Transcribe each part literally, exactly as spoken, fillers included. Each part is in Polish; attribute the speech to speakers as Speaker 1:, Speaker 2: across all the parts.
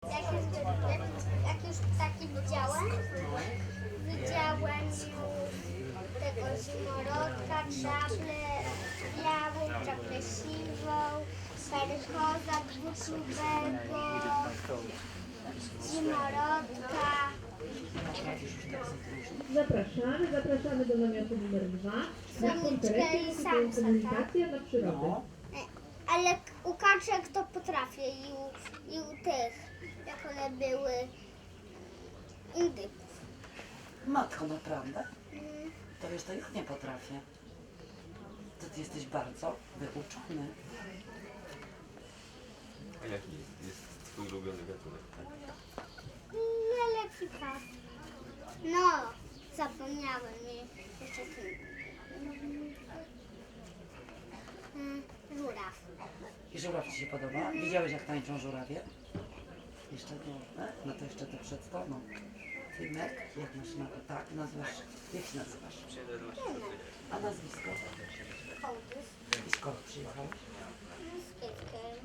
Speaker 1: Jak już, jak, jak już ptaki widziałem, widziałem już tego zimorodka, czaplę białą, czaplę siwą, perkoza dwuczubego, zimorodka.
Speaker 2: Zapraszamy, zapraszamy do namiotu numer dwa. Na konferencji
Speaker 1: i
Speaker 2: jest
Speaker 1: samca,
Speaker 2: komunikacja na przyrodę.
Speaker 1: Ale u kaczek to potrafię i u, i u tych, jak one były, indyków.
Speaker 3: Matko, naprawdę?
Speaker 1: Mm.
Speaker 3: To wiesz, to ja nie potrafię. To ty jesteś bardzo wyuczony.
Speaker 4: A jaki jest twój ulubiony gatunek?
Speaker 1: No lepika. No, zapomniałem mi jeszcze ten. Mm, żuraw.
Speaker 3: I żuraw ci się podoba? Widziałeś, jak tańczą żurawie? Jeszcze nie, e? No to jeszcze to przed tobą. Tymek, jak masz na tak, nazywasz, jak się nazywasz? A nazwisko?
Speaker 1: Kołdys.
Speaker 3: I skąd przyjechałeś?
Speaker 1: Z kietkiem.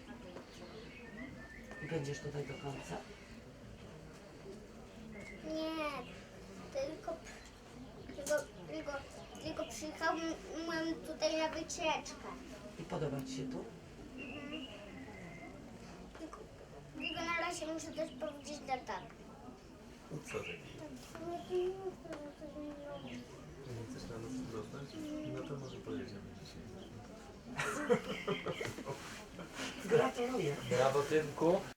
Speaker 3: I będziesz tutaj do końca?
Speaker 1: Nie, tylko, tylko, tylko, tylko przyjechałem tutaj na wycieczkę.
Speaker 3: I podoba ci się tu?
Speaker 1: Tylko, tylko na razie muszę też powiedzieć na tak.
Speaker 4: Co takiego? Nie chcesz na nas zostać? No to może pojedziemy dzisiaj.
Speaker 3: Gratuluję.
Speaker 5: Brawo, Tymku.